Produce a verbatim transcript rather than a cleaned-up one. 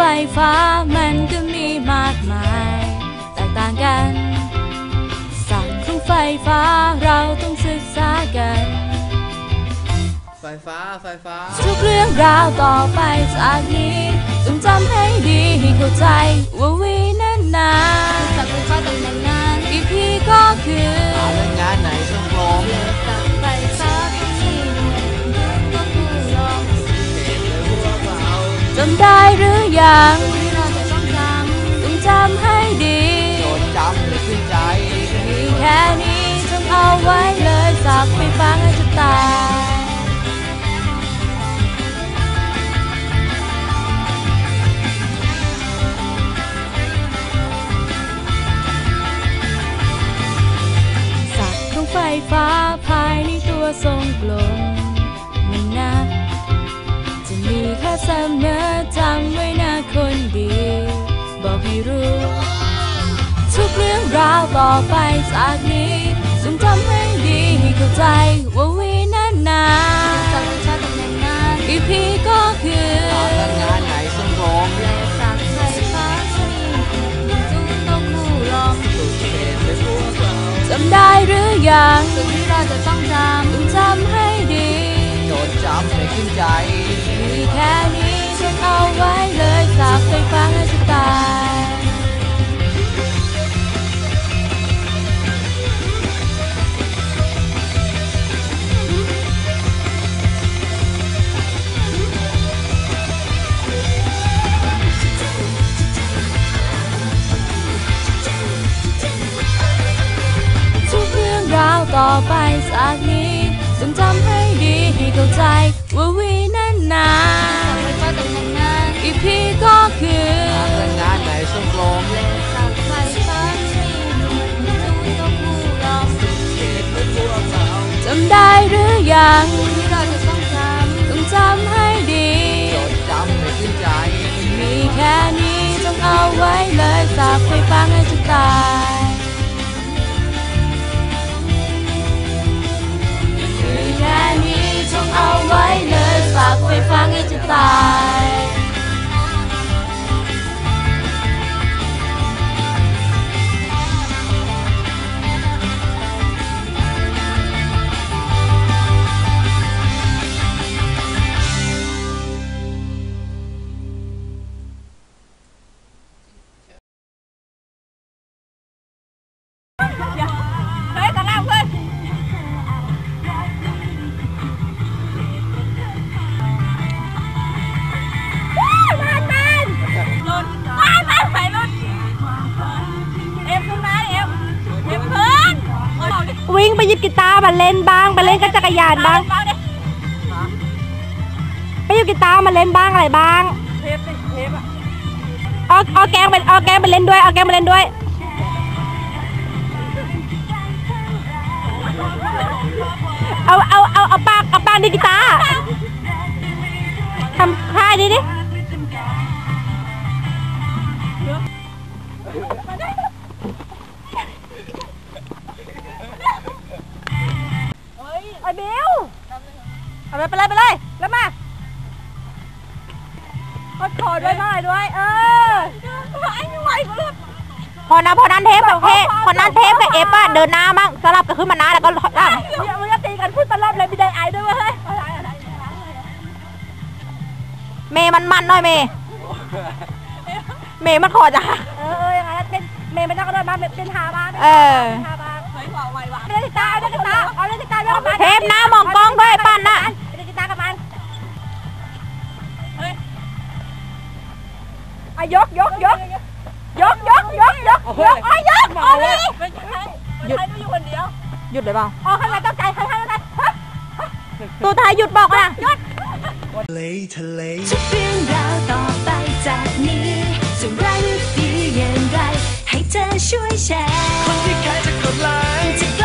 ฟ้ามันก็มีมากมายแตกต่างกันศักดิ์ของไฟฟ้าเราต้องศึกษากันไฟฟ้าไฟฟ้าทุกเรื่องราวต่อไปจากนี้ต้องจำให้ดีให้เข้าใจว่าวีนั้นนาศักดิ์ไฟฟ้าตำแหน่งนั้นอีพีก็คือหาเรื่องงานไหนช่างลมศักดิ์ไฟฟ้าที่มีก็คือลมจำได้หรือยังที่เราจะต้องจำต้องจำให้ดีจดจำให้ขึ้นใจมีแค่นี้จงเอาไว้เลยศักดิ์ไฟฟ้าให้จะตายไฟฟ้าภายในตัวทรงกลมมันนะจะมีค่าเสมอจำไว้นะคนดีบอกให้รู้ทุกเรื่องราวต่อไปจากนี้จงจำให้ดีให้เข้าใจว่าวีนั้นนาศักดิ์ไฟฟ้าตำแหน่งนั้นอีพีก็คือหาเรื่องงานไหนช่างลมและศักดิ์ไฟฟ้าที่จงต้องคู่ลมจำได้หรือยังสิ่งที่เราจะต้องจำต้องจำให้ดีจดจำให้ขึ้นใจมีแค่นี้ฉันเอาไว้เลยศักดิ์ไฟฟ้าให้จะตายต่อไปจากนี้จงจำให้ดีให้เข้าใจว่าวีนั้นนาไฟฟ้าตำแหน่งนั้นอีพีก็คือหาเรื่องงานไหนช่างลมและศักดิ์ไฟฟ้าที่มีจงต้องคู่ลมจำได้หรือยังที่เราจะต้องจำต้องจำให้ดีจดจำให้ขึ้นใจมีแค่นี้จงเอาไว้เลยศักดิ์ไฟฟ้าให้จะตายเอาไว้เลยฝากไฟฟ้าให้จะตายวิ่งไปหยิบกีตาร์มาเล่นบ้างไปเล่นกับจักรยานบ้างไปหยิบกีตาร์มาเล่นบ้างอะไรบ้างเอาเอาแกงไปเอาแกงไปเล่นด้วยเอาแกงมาเล่นด้วยเอาเอาเอาเอาปากเอาปากดิกีตาร์ทำท่าดิดิไอ้บิวเอาไปไปเลยไปเลยแล้วมาขอขอด้วยหน่อยด้วยเออไอ้ไหวก็เลยพอนะพอนั้นเทปโอเคพอนั้นเทปกับเอฟอะเดินหน้ามั่งสลับกันขึ้นมาหน้าแล้วก็ได้อย่ามึงจะตีกันพูดตลอดเลยมีได้ไอด้วยเฮ้ยเมย์มันมันหน่อยเมย์เมย์มันขอจ้ะเออเออยังไงเป็นเมย์ไม่ต้องกระโดดมาเป็นหาบ้านเออเล่นกีตาร์เล่นกีตาร์เอาเล่นกีตาร์ด้วยเทปหน้ามองกล้องด้วยปั้นนะเล่นกีตาร์กับมันเฮ้ยอ่ะยกยกยกยกยกยกยกยกอ่ะยกอ๋อนี่หยุดอยู่คนเดียวหยุดเลยเปล่าอ๋อข้างในต้องใจข้างในต้องใจตัวไทยหยุดบอกนะหยุดทะเลทะเลทุกเรื่องราวต่อไปจากนี้จะร้ายหรือดีอย่างไรให้เธอช่วยแชร์คนที่ใครจะกดไลค์